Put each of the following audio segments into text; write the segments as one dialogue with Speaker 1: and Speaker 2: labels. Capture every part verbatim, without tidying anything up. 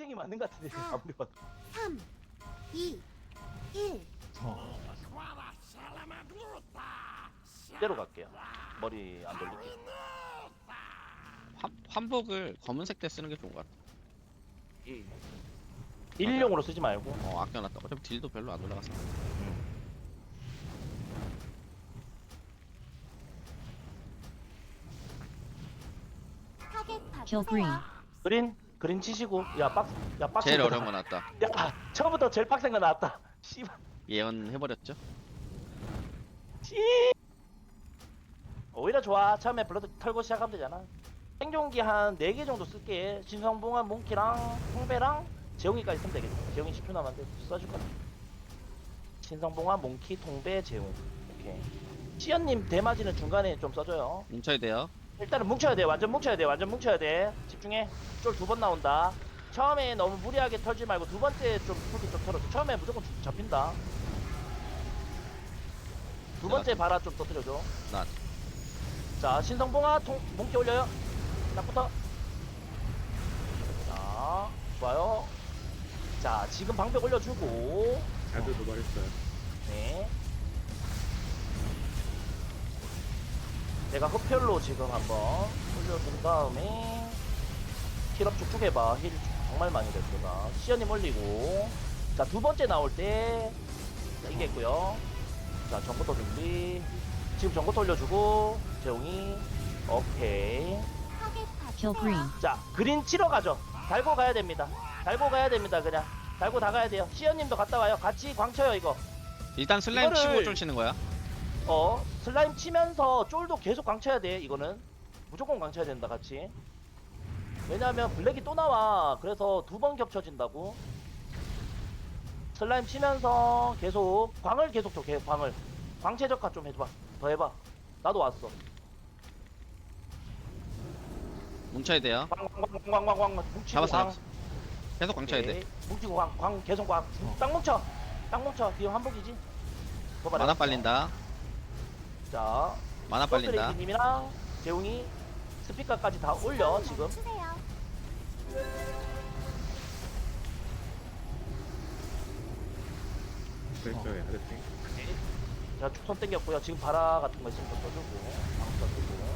Speaker 1: 땡땡이 맞는 것 같은데
Speaker 2: 사.
Speaker 1: 아무리 봐도.
Speaker 2: 삼, 이, 일.
Speaker 1: 이대로 갈게요. 머리 안 돌릴게.
Speaker 3: 환, 환복을 검은색 때 쓰는 게 좋은 것 같아.
Speaker 1: 이 일용으로 쓰지 말고.
Speaker 3: 어 아껴놨다. 어차피 딜도 별로 안 올라갔어.
Speaker 2: 타겟
Speaker 4: Kill green.
Speaker 2: 봐주세요.
Speaker 1: 그린 그린 치시고. 야 박스 야 박스.
Speaker 3: 제일 어려운 거 나왔다.
Speaker 1: 야 처음부터 제일 빡센 거 나왔다. 씨발.
Speaker 3: 예언해버렸죠.
Speaker 1: 씨. 오히려 좋아. 처음에 블러드 털고 시작하면 되잖아. 생존기 한 네 개 정도 쓸게. 신성봉한 몽키랑 통배랑 재웅이까지 쓰면 되겠다. 재웅이 십 초 남았는데 써줄 거야. 신성봉한 몽키 통배 재웅. 오케이. 시연님 대마지는 중간에 좀 써줘요.
Speaker 3: 뭉쳐야 돼요.
Speaker 1: 일단은 뭉쳐야 돼. 완전 뭉쳐야 돼. 완전 뭉쳐야 돼. 집중해. 쫄 두 번 나온다. 처음에 너무 무리하게 털지 말고 두 번째 좀 풀기 좀 털어줘. 처음에 무조건 주- 잡힌다. 두 번째 바라 좀 터뜨려줘.
Speaker 3: 나
Speaker 1: 자, 신성봉아 통 몽키 올려요. 딱부터. 자, 좋아요. 자, 지금 방벽 올려주고.
Speaker 5: 잘도 도발했어요.
Speaker 1: 네. 내가 흡혈로 지금 한번 올려준 다음에 힐업 쭉쭉 해봐. 힐 정말 많이 됐구나. 시연님 올리고. 자, 두 번째 나올 때 자, 이게 있고요. 자, 전부터 준비. 지금 전부터 올려주고 재웅이. 오케이.
Speaker 2: 타겟
Speaker 4: Kill
Speaker 2: 봐주세요.
Speaker 4: green.
Speaker 1: 자, 그린 치러 가죠. 달고 가야 됩니다. 달고 가야 됩니다. 그냥 달고 다 가야 돼요. 시연님도 갔다 와요. 같이 광쳐요 이거.
Speaker 3: 일단 슬라임
Speaker 1: 이거를-
Speaker 3: 치고 쫄 치는 거야.
Speaker 1: 어, 슬라임 치면서 쫄도 계속 광쳐야 돼. 이거는 무조건 광쳐야 된다. 같이. 왜냐하면 블랙이 또 나와. 그래서 두 번 겹쳐진다고. 슬라임 치면서 계속 광을 계속 줘. 계속 광을. 광채적화 좀 해줘봐. 더 해봐. 나도 왔어.
Speaker 3: 뭉쳐야 돼요.
Speaker 1: 광광광광광광 뭉치고
Speaker 3: 잡았어,
Speaker 1: 광.
Speaker 3: 잡았어. 계속 광쳐야 돼.
Speaker 1: 오케이. 뭉치고 광, 광 계속 광. 딱 뭉쳐. 딱 뭉쳐. 뒤에 한복이지.
Speaker 3: 만화 빨린다.
Speaker 1: 자,
Speaker 3: 만화 빨린다.
Speaker 1: 님이랑 재웅이 스피커까지 다 올려 지금.
Speaker 2: 멈추세요.
Speaker 5: 그랬어요. 아저씨.
Speaker 1: 자, 축선 땡겼고요. 지금 바라 같은 거 있으면 좀 써주고, 방금 써주고,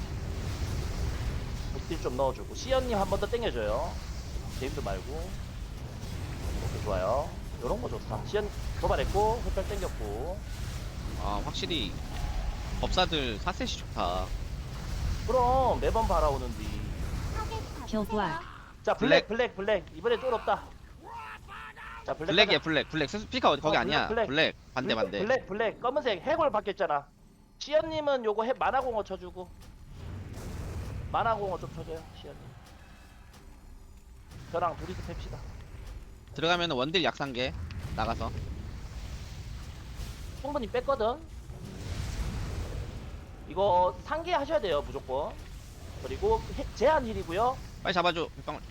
Speaker 1: 복딜 좀 넣어주고, 시연님 한 번 더 땡겨줘요. 제임도 말고. 오케이, 좋아요. 요런 거 좋다. 시연 도발했고, 흡혈 땡겼고.
Speaker 3: 아 확실히 법사들 사셋이 좋다.
Speaker 1: 그럼 매번 바라오는디.
Speaker 2: 타겟
Speaker 4: Kill black.
Speaker 2: 봐주세요.
Speaker 1: 자, 블랙, 블랙, 블랙. 이번에 쫄 없다. 자, 블랙.
Speaker 3: 블랙이야
Speaker 1: 가자.
Speaker 3: 블랙. 블랙 스피커 어디 거기
Speaker 1: 어,
Speaker 3: 아니야.
Speaker 1: 블랙,
Speaker 3: 블랙.
Speaker 1: 블랙.
Speaker 3: 반대
Speaker 1: 블랙,
Speaker 3: 반대.
Speaker 1: 블랙, 블랙. 검은색 해골 바뀌었잖아. 시연님은 요거 해, 만화공어 쳐주고. 만화공어 좀 쳐줘요, 시연님. 저랑 둘이서 팹시다.
Speaker 3: 들어가면 원딜 약상계 나가서.
Speaker 1: 충분히 뺐거든. 이거 상계 하셔야 돼요, 무조건. 그리고 해, 제한 힐이고요.
Speaker 3: 빨리 잡아줘. 빅방울.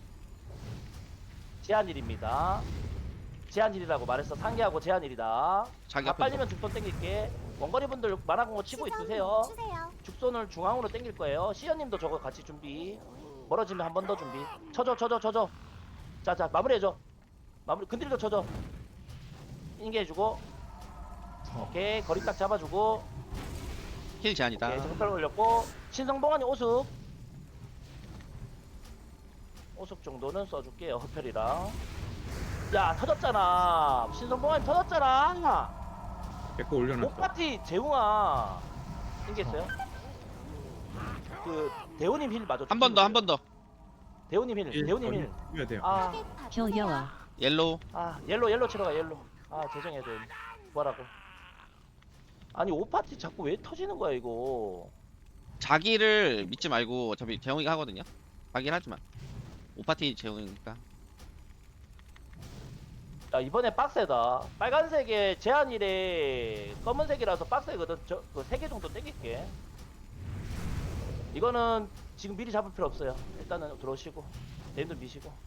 Speaker 1: 제한 힐입니다. 제한 힐이라고 말했어. 상계하고 제한 힐이다.
Speaker 3: 자기
Speaker 1: 다
Speaker 3: 앞에
Speaker 1: 빨리면 죽손 땡길게. 원거리 분들 만화공어 치고
Speaker 2: 시선
Speaker 1: 있으세요.
Speaker 2: 멈추세요.
Speaker 1: 죽손을 중앙으로 땡길 거예요. 시연님도 저거 같이 준비. 멀어지면 한 번 더 준비. 쳐줘, 쳐줘, 쳐줘. 자, 자, 마무리해줘. 마무리. 근딜도 쳐줘. 인계해주고. 오케이. 거리 딱 잡아주고.
Speaker 3: 힐 제한이다.
Speaker 1: 오케이. 정글 올렸고. 신성봉환이 오숙. 오숙 정도는 써줄게요. 흡혈이랑. 야, 터졌잖아. 신성봉환이 터졌잖아.
Speaker 5: 내거 올려놨어.
Speaker 1: 오파티 재웅아. 인계했어요? 그, 대우님 힐 맞아.
Speaker 3: 한 번 더 한 번 더.
Speaker 1: 대우님 힐, 대우님 힐.
Speaker 5: 해야 돼요.
Speaker 1: 아,
Speaker 2: 타겟
Speaker 4: Kill
Speaker 2: 봐주세요.
Speaker 4: yellow.
Speaker 3: 옐로우.
Speaker 1: 아, 옐로, 옐로 치러 가, 옐로. 아, 죄송해요, 대우님. 뭐라고. 아니, 오파티 자꾸 왜 터지는 거야, 이거.
Speaker 3: 자기를 믿지 말고 어차피 재웅이가 하거든요. 자기를 하지 마. 오파티 재웅이니까.
Speaker 1: 야, 이번에 빡세다. 빨간색에 제한일에 검은색이라서 빡세거든. 저, 그 세 개 정도 땡길게. 이거는 지금 미리 잡을 필요 없어요. 일단은 들어오시고. 네임도 미시고. 자,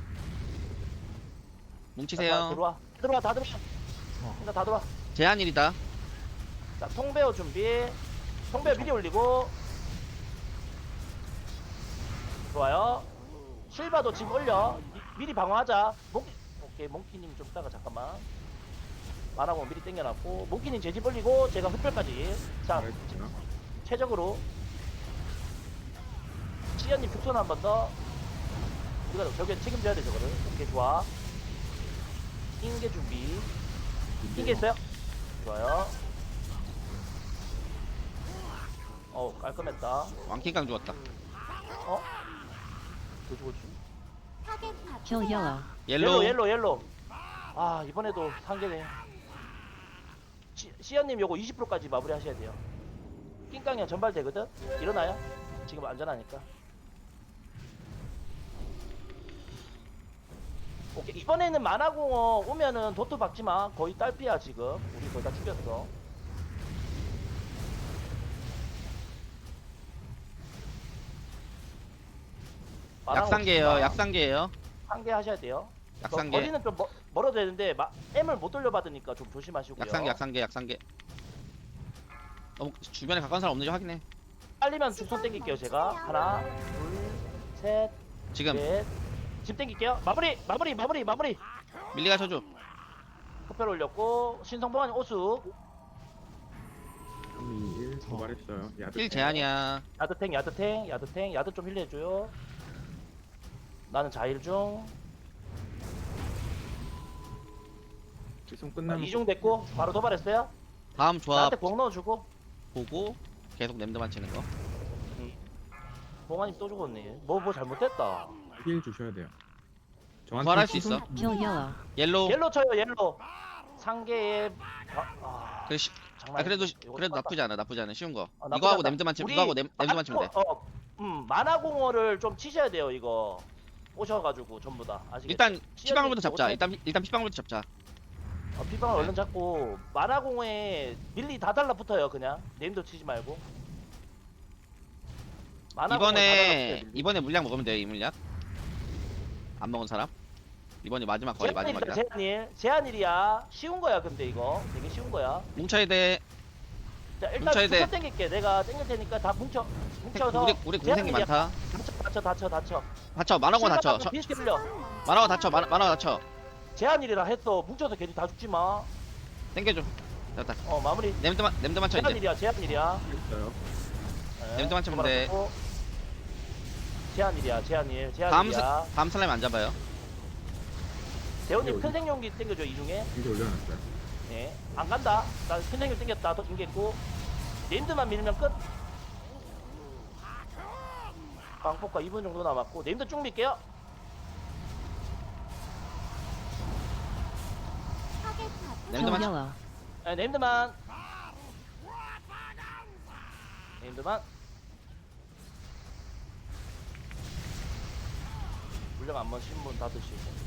Speaker 3: 뭉치세요.
Speaker 1: 들어와. 들어와, 다 들어와. 일단 다 들어와.
Speaker 3: 제한일이다.
Speaker 1: 자, 통배어 준비. 통배어 미리 올리고. 좋아요. 실바도 지금 올려. 이- 미리 방어하자. 몽키, 오케이, 몽키님 좀 따가 잠깐만. 만화고 미리 땡겨놨고, 몽키님 제지 벌리고, 제가 흡혈까지. 자,
Speaker 5: 잘했어요.
Speaker 1: 최적으로. 시연님 죽선 한 번 더. 우리가 저게 책임져야 돼, 저거를. 오케이, 좋아. 흰개 준비. 흰개 있어요? 좋아요. 어, 깔끔했다.
Speaker 3: 왕킹강 죽었다.
Speaker 1: 어? 그 죽었지?
Speaker 2: 타겟 바꾸세요.
Speaker 4: Kill yellow.
Speaker 3: 옐로우.
Speaker 1: 옐로 옐로 옐로 아 이번에도 상계네. 시, 시연님 요거 이십 퍼센트까지 마무리 하셔야 돼요. 낑깡이랑 전발 되거든? 일어나요? 지금 안전하니까. 오케이, 이번에는 만화공어 오면은 도트 박지마. 거의 딸피야 지금. 우리 거의 다 죽였어. 만화공어
Speaker 3: 약상계예요.
Speaker 1: 치지 마.
Speaker 3: 약상계예요.
Speaker 1: 상계 하셔야 돼요. 거-
Speaker 3: 약상계.
Speaker 1: 거리는 좀 멀, 멀어도 되는데 마, M을 못 돌려받으니까 좀 조심하시고요.
Speaker 3: 약상계. 약상계. 약상계. 너무 주변에 가까운 사람 없는지 확인해.
Speaker 1: 빨리면 주손 땡길게요 제가. 하나 둘셋
Speaker 3: 지금
Speaker 1: 넷. 집 땡길게요. 마무리 마무리 마무리 마무리.
Speaker 3: 밀리가 쳐줘.
Speaker 1: 흡혈 올렸고 신성봉환 오수.
Speaker 5: 삼, 이, 일 도발했어요. 야드.
Speaker 3: 힐 제한이야.
Speaker 1: 야드탱 야드탱 야드탱 야드 좀 힐해줘요. 나는 자일 중.
Speaker 5: 지송
Speaker 1: 아,
Speaker 5: 끝나면
Speaker 1: 이중 됐고 바로 도발했어요.
Speaker 3: 다음 조합
Speaker 1: 나한테 공 넣어주고.
Speaker 3: 보고 계속 냄드만 치는 거.
Speaker 1: 봉환이 또 죽었네. 뭐 뭐 잘못됐다.
Speaker 5: 힐 주셔야 돼요. 저한테
Speaker 3: 부활할 수
Speaker 5: 지송-
Speaker 3: 있어.
Speaker 4: Kill yellow.
Speaker 3: 옐로우.
Speaker 1: 옐로 쳐요 옐로. 상계에 아, 아,
Speaker 3: 그래, 시,
Speaker 1: 장난
Speaker 3: 아, 그래도
Speaker 1: 아니네. 이거
Speaker 3: 그래도
Speaker 1: 똑같다.
Speaker 3: 나쁘지 않아. 나쁘지 않아. 쉬운 거.
Speaker 1: 아,
Speaker 3: 이거
Speaker 1: 나쁘지
Speaker 3: 하고
Speaker 1: 않다.
Speaker 3: 냄드만 치면
Speaker 1: 우리
Speaker 3: 이거 하고 냄, 냄드만 치면 돼.
Speaker 1: 어, 어, 음, 만화공어를 좀 치셔야 돼요 이거. 오셔가지고 전부 다. 아시겠죠?
Speaker 3: 일단 피방울부터
Speaker 1: 시연이
Speaker 3: 잡자.
Speaker 1: 못해-
Speaker 3: 일단 일단 피방울부터 잡자.
Speaker 1: 어, 피방을 얼른 잡고 만화공어에 밀리 다 달라붙어요 그냥. 네임도 치지 말고. 만화공어에 다
Speaker 3: 이번에
Speaker 1: 달라붙어요, 밀리.
Speaker 3: 이번에 물약 먹으면 돼. 이 물약. 안 먹은 사람. 이번이 마지막 거의
Speaker 1: 제한일이다
Speaker 3: 마지막이다.
Speaker 1: 제한일. 제한일이야. 쉬운 거야 근데 이거. 되게 쉬운 거야.
Speaker 3: 뭉쳐야 돼.
Speaker 1: 자 일단
Speaker 3: 뭉쳐야 돼.
Speaker 1: 수선 땡길게. 내가 땡길 테니까 다 뭉쳐. 뭉쳐서.
Speaker 3: 우리 우리 공생이
Speaker 1: 제한일이야.
Speaker 3: 많다.
Speaker 1: 다쳐 다쳐 다쳐 다쳐.
Speaker 3: 다쳐. 만화고 다쳐. 저-
Speaker 1: 비슷해 빌려.
Speaker 3: 만화고 다쳐. 만화 만화 다쳐.
Speaker 1: 제한일이라 했어. 뭉쳐서 괜히 다 죽지 마.
Speaker 3: 땡겨줘. 됐다.
Speaker 1: 어 마무리.
Speaker 3: 냄드만 냄드만 쳐 이제.
Speaker 1: 제한일이야 제한일이야.
Speaker 5: 있어요.
Speaker 1: 네,
Speaker 3: 냄새만 치면 돼.
Speaker 1: 도발하고. 제한일이야 제한일
Speaker 3: 다음 스,
Speaker 1: 제한일이야.
Speaker 3: 다음 슬라임 안 잡아요.
Speaker 1: 대원님
Speaker 5: 여기.
Speaker 1: 큰 생용기 땡겨줘 이 중에.
Speaker 5: 이제 올려놨어요.
Speaker 1: 예. 안 간다. 나 큰 생용 땡겼다. 더 땡겼고. 네임드만 밀면 끝. 광폭과 이 분 정도 남았고 네임드 쭉 밀게요.
Speaker 2: 타겟 바꾸세요.
Speaker 4: Kill
Speaker 3: 냄드만 쳐.
Speaker 4: yellow.
Speaker 1: 네, 네임드만. 네임드만. 물량 한번 신분 다 드시고.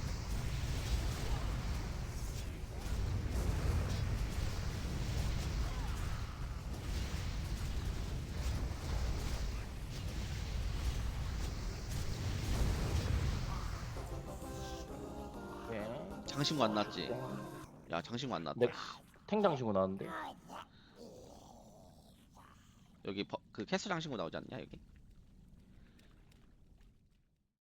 Speaker 1: 네.
Speaker 3: 장신구 안 나왔지. 야 장신구 안 나왔다.
Speaker 1: 네. 탱장신고 나왔는데.
Speaker 3: 여기 버, 그 캐스 장신구 나오지 않냐 여기?